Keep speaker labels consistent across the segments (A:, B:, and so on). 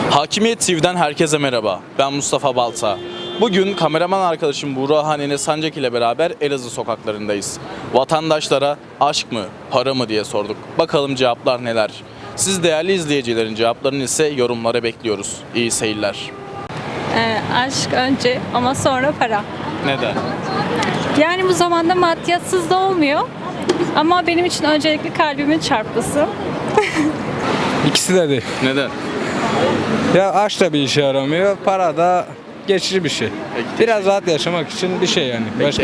A: Hakimiyet TV'den herkese merhaba. Ben Mustafa Balta. Bugün kameraman arkadaşım Buğra Hanene Sancak ile beraber Elazığ sokaklarındayız. Vatandaşlara aşk mı, para mı diye sorduk. Bakalım cevaplar neler? Siz değerli izleyicilerin cevaplarını ise yorumlara bekliyoruz. İyi seyirler.
B: Aşk önce ama sonra para.
A: Neden?
B: Yani bu zamanda maddiyatsız da olmuyor. Ama benim için öncelikli kalbimin çarpması.
C: İkisi de değil.
A: Neden?
C: Ya aşk da bir işe yaramıyor, para da geçici bir şey.
A: Peki,
C: Biraz rahat yaşamak için bir şey yani. Başka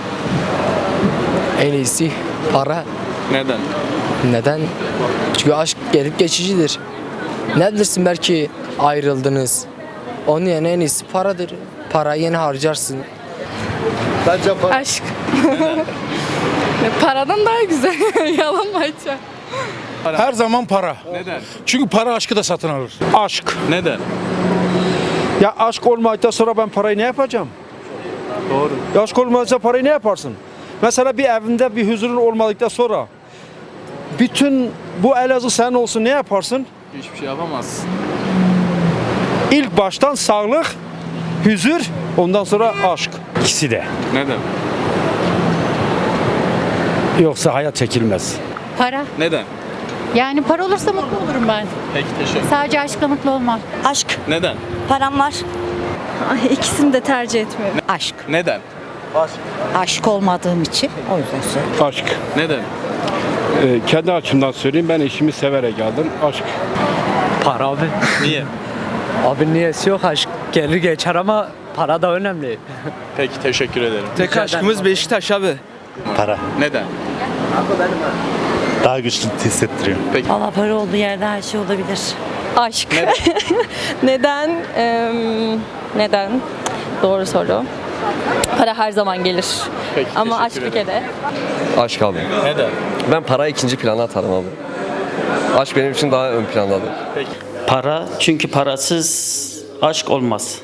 D: En iyisi para.
A: Neden?
D: Neden? Çünkü aşk gelip geçicidir. Ne bilirsin, belki ayrıldınız. Onun yerine en iyisi paradır. Parayı yeni harcarsın.
E: Aşk. Paradan daha güzel. Yalan mı açacağım?
F: Her zaman para.
A: Neden?
F: Çünkü para aşkı da satın alır. Aşk.
A: Neden?
G: Ya aşk olmadıktan sonra ben parayı ne yapacağım?
A: Doğru.
G: Ya aşk olmadıkça parayı ne yaparsın? Mesela bir evinde bir huzurun olmadıktan sonra bütün bu Elazığ senin olsun ne yaparsın?
A: Hiçbir şey yapamazsın.
G: İlk baştan sağlık, huzur, ondan sonra aşk.
F: İkisi de.
A: Neden?
F: Yoksa hayat çekilmez.
H: Para.
A: Neden?
H: Yani para olursa mutlu olurum ben.
A: Peki, teşekkür.
H: Sadece aşkla mutlu olmam.
I: Aşk.
A: Neden?
I: Param var.
B: İkisini de tercih etmiyorum.
I: Aşk.
A: Neden?
I: Aşık olmadığım için o yüzden söylüyorum.
F: Aşk.
A: Neden?
F: Kendi açımdan söyleyeyim, ben eşimi severek geldim. Aşk.
J: Para abi.
A: Niye?
J: Abi niyesi yok, aşk gelir geçer ama para da önemli.
A: Peki, teşekkür ederim.
J: Tek aşkımız
C: Beşiktaş abi.
K: Para.
A: Neden?
K: Daha güçlü hissettiriyor.
I: Valla para olduğu yerde her şey olabilir.
B: Aşk.
A: Neden?
B: Neden? Doğru soru. Para her zaman gelir.
A: Peki,
B: Ama aşk
A: teşekkür
B: bir
A: ederim.
B: kere.
J: Aşk abi.
A: Neden?
J: Ben parayı ikinci plana atarım abi. Aşk benim için daha ön plandadır.
L: Para, çünkü parasız aşk olmaz.